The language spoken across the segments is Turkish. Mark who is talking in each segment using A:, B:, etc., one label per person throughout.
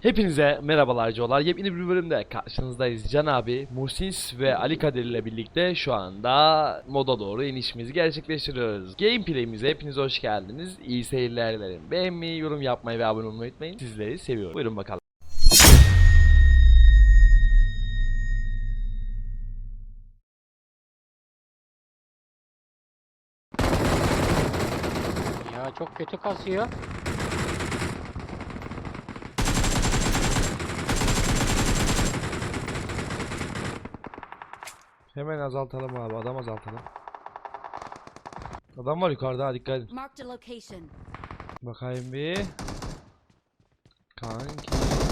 A: Hepinize merhabalar Colar. Yepyeni bir bölümde karşınızdayız. Can abi, Muhsin ve Ali Kadir ile birlikte şu anda moda doğru inişimizi gerçekleştiriyoruz. Gameplay'imize hepiniz hoş geldiniz. İyi seyirler dilerim. Beğenmeyi, yorum yapmayı ve abone olmayı unutmayın. Sizleri seviyorum. Buyurun bakalım.
B: Ya çok kötü kasıyor.
A: Hemen azaltalım abi. Adam azaltalım. Adam var yukarıda, ha, dikkat edin.
C: Marked a location.
A: Bakayım bir. Kanki.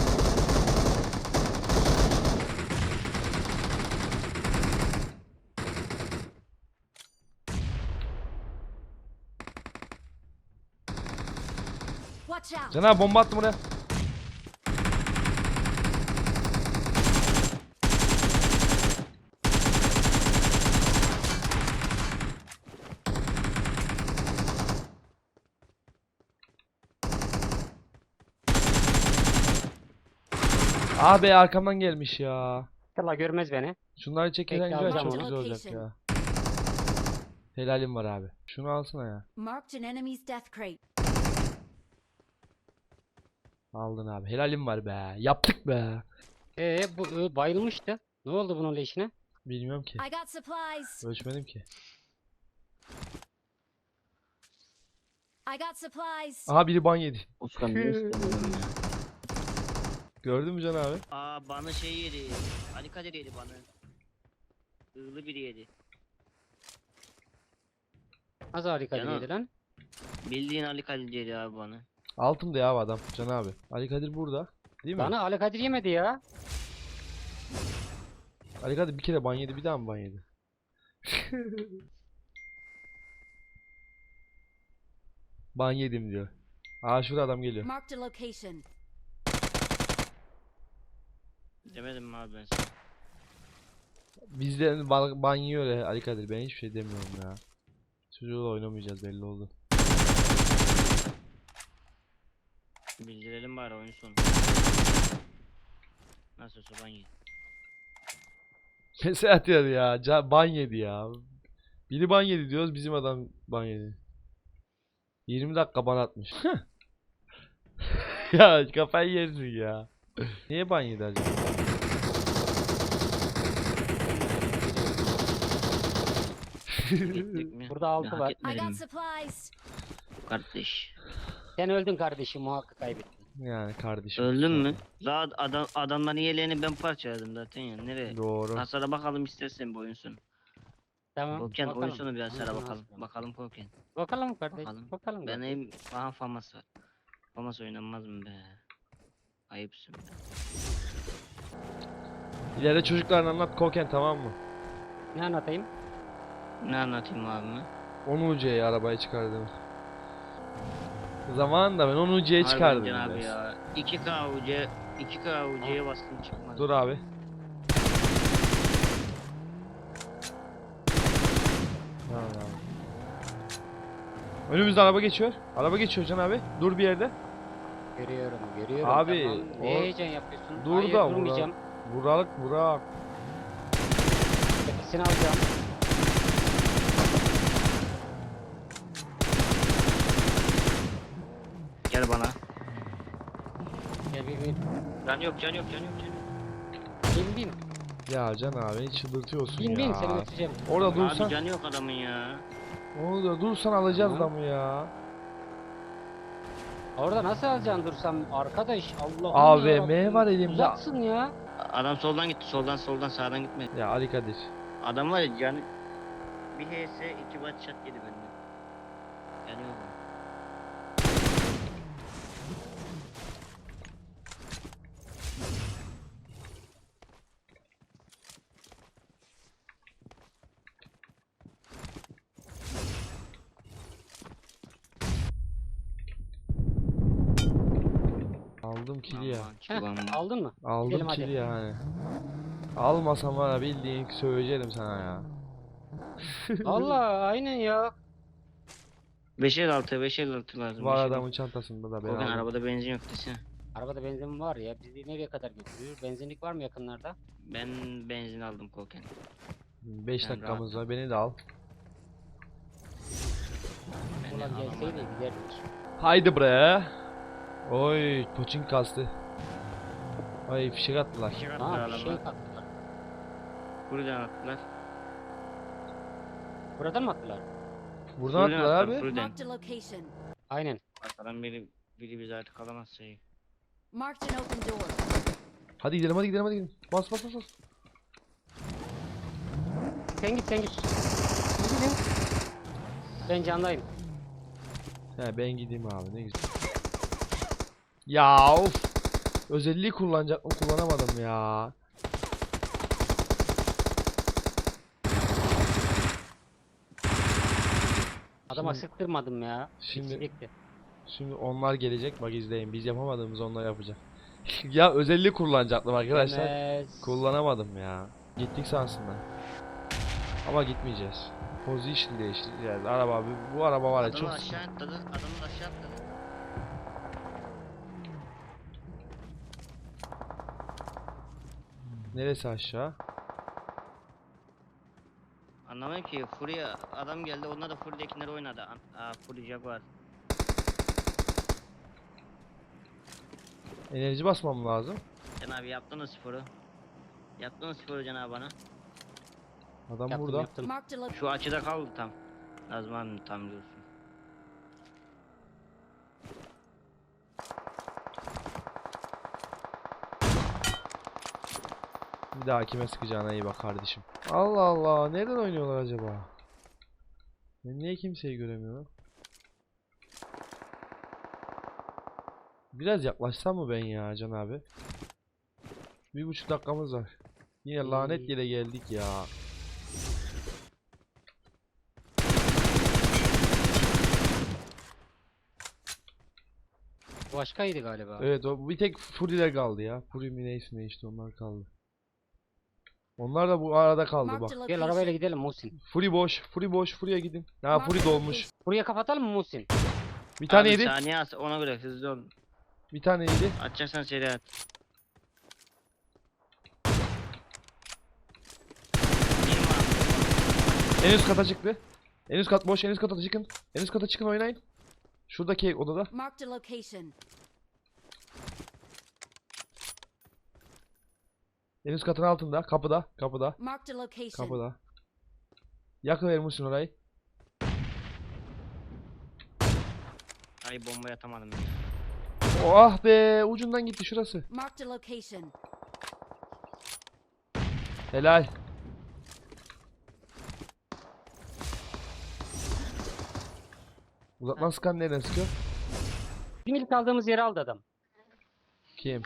C: Watch out.
A: Can abi bomba attım oraya. Abi arkamdan gelmiş ya.
B: İnşallah görmez beni.
A: Şunları çekirsen
B: Bekle,
A: güzel,
B: alacağım
A: çok
C: onu.
A: güzel olacak ya. Helalim var abi. Şunu alsana ya.
C: Marked an enemy's death crate.
A: Aldın abi. Helalim var be. Yaptık be.
B: Bu bayılmıştı. Ne oldu bunun leşine?
A: Bilmiyorum ki.
C: I got supplies.
A: Ölçmedim ki.
C: I got supplies.
A: Aha biri ban yedi.
D: Ustam ne istemiyorum ya.
A: Gördün mü Can abi?
D: Aa bana şey yedi. Ali Kadir yedi bana. Hızlı biri yedi.
B: Az harika
D: Canım.
B: değildi lan.
D: Bildiğin Ali Kadir yedi abi bana.
A: Altımda ya adam Can abi. Ali Kadir burada. Değil mi?
B: Bana Ali Kadir yemedi ya.
A: Ali Kadir bir kere ban yedi, bir daha mı ban yedi? Ban yedim diyor. Aa şurada adam geliyor.
C: Marked a location.
D: Demedim mi abi ben sana?
A: Bizden ban yiyor ya Ali Kadir. Ben hiçbir şey demiyorum ya. Çocuğuyla oynamayacağız belli oldu.
D: Bildirelim bari oyun sonu. Nasılsa ben yedim.
A: Mesaj atıyor ya. Ban yedi ya. Biri ban yedi diyoruz, bizim adam ban yedi. 20 dakika ban atmış. Ya kafayı yersin ya. Niye ban yedi acaba?
D: Gittik mi?
B: Burada altı
D: Hak
B: var.
C: I
D: etmedim
C: got
D: mi?
C: supplies.
D: Kardeş.
B: Sen öldün kardeşim, muhakkak kaybettin.
A: Yani kardeşim.
D: Öldün mü? Zaten adamların yeleğini ben parçaladım zaten ya. Nereye?
A: Doğru.
D: Hasara bakalım istersen bu oyun sonu.
B: Tamam.
D: Korken oyun
B: bakalım.
D: sonu biraz hasara
B: Oyun
D: bakalım.
B: sonu.
D: Bakalım Korken.
B: Bakalım kardeş.
D: Bakalım.
B: Bakalım.
D: Ben
B: kardeş.
D: aha famas var. Famas oynanmaz mı be? Ayıpsın be.
A: İleride çocuklarına anlat Koken, tamam mı?
B: Ne anlatayım?
D: Ne anlatayım abime?
A: 10 UC'ye arabayı çıkardım. Zamanında ben 10 UC'ye çıkardım.
D: Harbiden abi
A: biraz.
D: ya. 2K UC 2K UC'ye bastım çıkmadı.
A: Dur abi. Tamam abi. Önümüzde araba geçiyor. Araba geçiyor Can abi. Dur bir yerde.
B: Görüyorum.
A: Abi,
B: Tamam.
A: o-
B: Ne heyecan yapıyorsun?
A: Dur
B: Hayır,
A: da
B: durmayacağım.
A: Burak.
B: Tepesini alacağım.
D: Gel bana.
B: Gel bir.
D: Can yok can yok can yok can yok.
B: Bin.
A: Ya Can abi beni çıldırtıyorsun
B: Bin
A: ya.
B: seni götüreceğim.
A: Orada dursan,
D: Abi can yok adamın ya.
A: orada dursan alacağız
B: Tamam.
A: adamı ya.
B: Orada nasıl alacaksın dursam arkadaş, Allah'ım
A: AVM
B: yarabbim.
A: var elimde.
B: Uzaksın ya.
D: Adam soldan gitti soldan sağdan gitmedi.
A: Ya Ali Kadir.
D: Adam var ya canı bir HS 2 watt shot yedi benden. Yani yok.
A: Aldım kili ya.
D: Aman,
B: Heh,
D: çıkmam.
B: aldın mı?
A: Aldım
B: Gidelim hadi.
A: kili yani. Almasam var ya, bildiğin söyleyeceğim sana ya.
B: Vallahi aynen ya.
D: 556 lazım.
A: Var
D: 556.
A: adamın çantasında da ben
D: Korkan
A: aldım.
D: arabada benzin yok desene.
B: Arabada benzin var ya. Bizi nereye kadar götürüyor? Benzinlik var mı yakınlarda?
D: Ben benzin aldım koken.
A: 5
D: Ben
A: dakikamız
D: rahatım.
A: var. Beni de al.
D: Ben
B: Ulan gelseydi giderdik.
A: Haydi bre. Oy, poçink kastı. Ay fişek attılar.
D: Fişek
B: Aa
D: attılar
B: bir şey
D: adamlar.
B: attılar.
D: Buradan attılar.
B: Buradan mı attılar?
A: Buradan
D: Buradan
A: attılar
D: attılar,
A: abi.
D: buradan.
C: Marked a location.
B: Aynen.
D: Arkadan biri bizi artık alamaz şeyi.
C: Marked an open door.
A: Hadi gidelim hadi gidelim hadi gidelim. Bas bas bas bas.
B: Sen git sen git. Gidin. Ben candayım.
A: He ben gideyim abi ne güzel. Ya of. Özelliği kullanacak mı kullanamadım ya.
B: Adama sıktırmadım ya.
A: Şimdi-
B: Bekle.
A: Şimdi onlar gelecek bak izleyin. Biz yapamadığımız onlar yapacak. Ya özelliği kullanacaktım arkadaşlar.
B: Demez.
A: Kullanamadım ya. Gittik sansınlar. Ama gitmeyeceğiz. Position değiştireceğiz. Araba bu araba var ya
D: Adamı
A: çok
D: aşağı atladı. Adamı aşağı atladı.
A: Neresi aşağı?
D: Anlamıyorum ki. Furya adam geldi. Onlar da Furya'dakileri oynadı. Fury Jaguar.
A: Enerji basmam lazım.
D: Can abi yaptınız sporu. Yaptınız sporu Can abi bana.
A: Adam
B: Yaptım,
A: burada.
B: yaptım.
C: Marked a
D: Şu açıda kaldı tam. Nazım abi tam diyorsun.
A: Bir daha kime sıkacağına iyi bak kardeşim. Allah Allah. Nereden oynuyorlar acaba? Ben niye kimseyi göremiyorum? Biraz yaklaşsam mı ben ya Can abi? 1,5 dakikamız var. Yine lanet yere geldik ya.
B: Başkaydı galiba.
A: Evet o bir tek Fury'ler kaldı ya. Fury mi neyse ne işte onlar kaldı. Onlar da bu arada kaldı bak.
C: Marked a
B: Gel arabayla
C: location.
B: gidelim Muhsin.
A: Fury boş, Fury boş, Fury'e gidin. Ha Fury dolmuş.
B: Buraya kapatalım mı Muhsin?
A: Bir tane
D: Abi
A: yedi.
D: saniye at ona göre hızlı ol.
A: Bir tane yedi.
D: Atacaksan seri at.
A: En üst kata çıktı. En üst kat boş, en üst kata çıkın. En üst kata çıkın oynayın. Şuradaki odada.
C: Marked a location.
A: En üst katın altında. Kapıda. Kapıda.
C: Marked a location.
A: Kapıda. Yakıvermişsin orayı.
D: Ay bombayı atamadım.
A: Oh ah be. Ucundan gitti şurası.
C: Marked a location.
A: Helal. Uzaktan sıkan nereden sıkıyor?
B: Bizim ilk aldığımız yeri aldı adam.
A: Kim?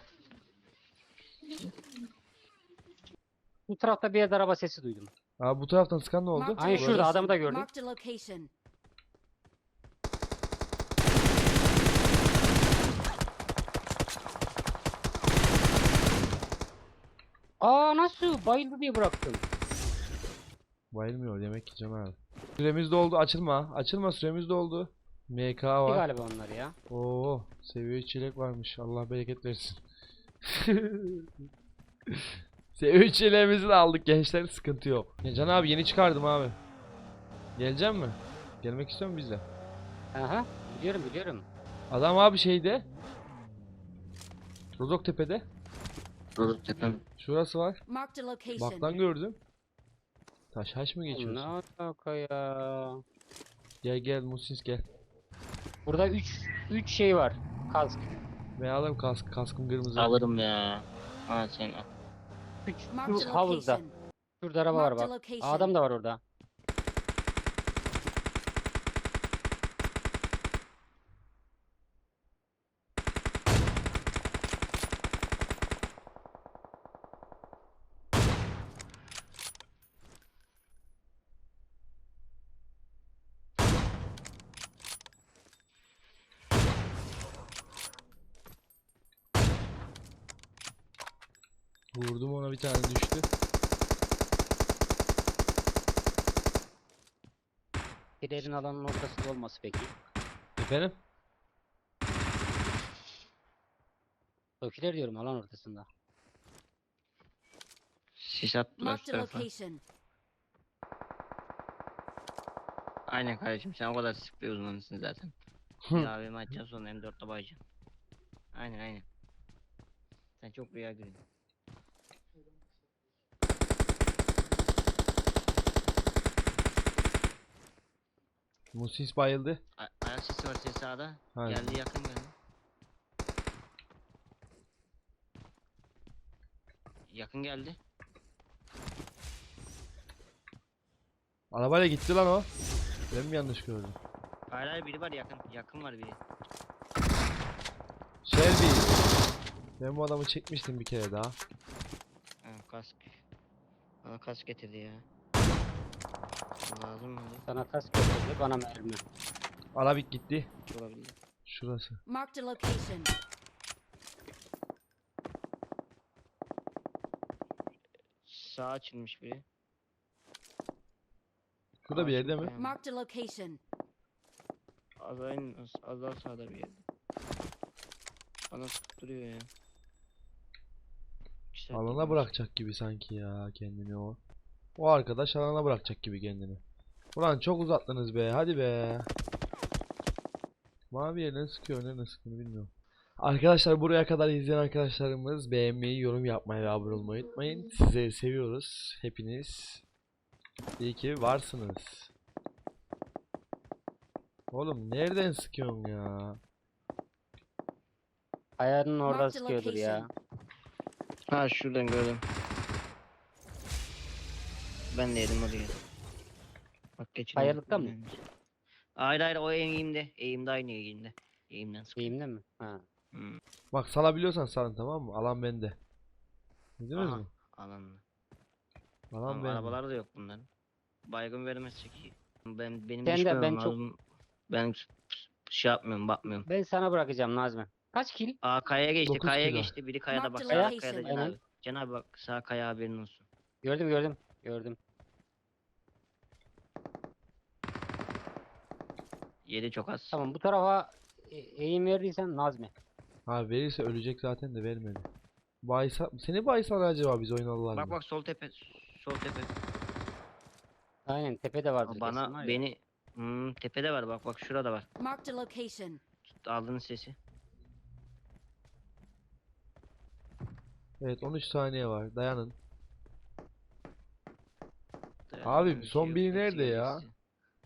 B: Bu tarafta bir yerde araba sesi duydum.
A: Aa bu taraftan sıkan ne oldu?
C: Marked a
B: Aynen şurada,
C: location.
B: adamı da gördüm.
C: Marked a location.
B: Aa nasıl? Bayıldı diye bıraktım.
A: Bayılmıyor demek ki Can abi. Süremiz doldu. Açılma. Açılma süremiz doldu. MK
B: Bir
A: var.
B: galiba onlar ya.
A: Oo, seviye 3 çilek varmış. Allah bereket versin. Seviye 3 çileğimizi de aldık gençler. Sıkıntı yok. Ya Can abi yeni çıkardım abi. Gelecek mi? Gelmek istiyor musun bizle?
B: Aha biliyorum biliyorum.
A: Adam abi şeyde. Rozoktepe'de.
D: Rozoktepe.
A: Şurası var.
C: Marked a location.
A: Bak lan gördüm. Taş mı
B: Ne
A: geçiyorsun?
B: alaka ya?
A: Gel gel Musins gel.
B: Burada 3 şey var. Kask.
A: Ben alırım kaskım kırmızı.
D: Alırım ya. Ha sen al.
B: 3
C: Marked a
B: havuzda.
C: location.
B: Şurada araba var
C: Marked a
B: bak.
C: location.
B: Adam da var orada.
A: Vurdum ona bir tane düştü.
B: Dilerin alanın ortasında olması peki.
A: Efendim?
B: Tokiler diyorum alan ortasında.
D: Sis attılar şu
C: Marked a
D: tarafa.
C: location.
D: Aynen kardeşim, sen o kadar sık bir uzmanısın zaten. Bir AVM açacaksın, sonra M4'le bayacaksın. Aynen. Sen çok rüya görüyorsun.
A: Musis bayıldı.
D: Ayak sesi var, ses sağda.
A: Aynen.
D: Geldi, yakın geldi. Yakın geldi.
A: Arabayla gitti lan o. Ben mi yanlış gördüm?
D: Hayır, biri var yakın. Yakın var biri.
A: Shelby. Ben bu adamı çekmiştim bir kere daha.
D: Ha, kask. Bana kask getirdi ya. Lazım mı?
B: Sana kask getirdi bana mermi.
A: Arabik gitti.
D: Olabilir.
A: Şurası.
C: Marked a location.
D: Sağ açılmış biri.
A: Şurada bir yerde mi?
C: Marked a location.
D: Az daha sağda bir yerde. Bana tutturuyor ya. İki saat
A: Alana
D: gidiyoruz.
A: bırakacak gibi sanki ya kendini o. O arkadaş alana bırakacak gibi kendini. Ulan çok uzattınız be, hadi be. Mavi yerden sıkıyor, nereden sıktığını bilmiyorum. Arkadaşlar, buraya kadar izleyen arkadaşlarımız beğenmeyi, yorum yapmayı ve abone olmayı unutmayın. Sizleri seviyoruz hepiniz. İyi ki varsınız. Oğlum nereden sıkıyorsun ya?
B: Ayağının orada
C: Marked a
B: sıkıyordur ya.
C: location.
D: Ha, şuradan gördüm. Ben de yedim oraya. Bak geçin.
B: Kayalıkta mı?
D: Hayır, o eğimde. Eğimde, aynı eğimde. Eğimden sıkıyor.
B: Eğimde mi? Ha.
D: Hmm.
A: Bak, salabiliyorsan salın, tamam mı? Alan bende. Bildiniz
D: Aha,
A: mi?
D: alanla.
A: Alan
D: Ama
A: bende.
D: arabalar da yok bunların. Baygın vermezsek iyi. Benim
B: Sen de,
D: düşmemem
B: ben çok-
D: lazım. Ben şey yapmıyorum, bakmıyorum.
B: Ben sana bırakacağım Nazmi. Kaç kill?
D: Aa, kayaya geçti,
A: 9
D: kayaya
A: kilo.
D: geçti. Biri kayada, bak
C: Marked
D: sağ
C: location.
D: kayada Can
B: Aynen.
D: abi. Can abi bak, sağ kaya, haberin olsun.
B: Gördüm.
D: Yedi çok az.
B: Tamam bu tarafa eğim verdiysen Nazmi.
A: Ha, verirse ölecek zaten de vermedi. Baysa, seni baysalar acaba biz oynadılar
D: Bak
A: mı?
D: bak, sol tepe. Sol tepe.
B: Aynen tepede vardır kesin var
D: Bana
B: ya.
D: beni tepede var, bak bak şurada var.
C: Marked a location.
D: Aldığınız sesi.
A: Evet, 13 saniye var, dayanın.
D: Dayanacak bir
A: son
D: yok,
A: biri
D: hepsi
A: nerede
D: gelecek
A: ya?
D: size.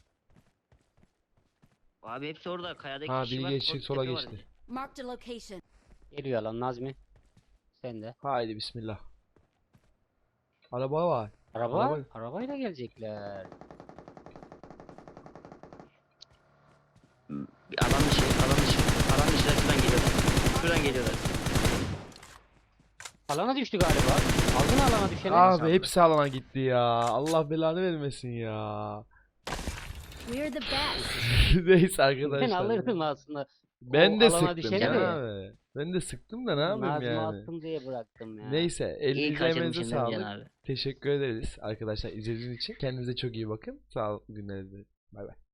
D: Abi hepsi orada, kayadaki
A: Ha,
D: kişi
A: biri
D: var.
A: geçti,
D: sol
A: sola
D: tepe var
A: geçti.
D: bir de.
C: Marked a location.
B: Geliyor lan Nazmi. Sen de.
A: Haydi bismillah. Araba var. Araba-
B: Arabayla gelecekler.
D: Bir alan dışı. Şuradan geliyorlar. Şuradan geliyorlar.
B: Alana düştü galiba. Aldın alana düşeni.
A: Abi
D: sandım.
A: hepsi alana gitti ya. Allah belanı vermesin ya.
C: We're the best.
A: Neyse
B: Ben
A: arkadaşlar.
B: alırdım aslında.
A: Ben
B: O
A: de
B: alana
A: sıktım
B: düşeni
A: ya
B: de.
A: abi. Ben de sıktım da ne yapayım
B: Nazmi
A: yani.
B: attım diye bıraktım ya.
A: Neyse,
D: İyi
A: elinize
D: kaçırmışsın
A: emeğinize
D: değil mi Can
A: sağlık.
D: abi?
A: Teşekkür ederiz arkadaşlar izlediğiniz için. Kendinize çok iyi bakın. Sağlıklı günler dilerim. Bay bay.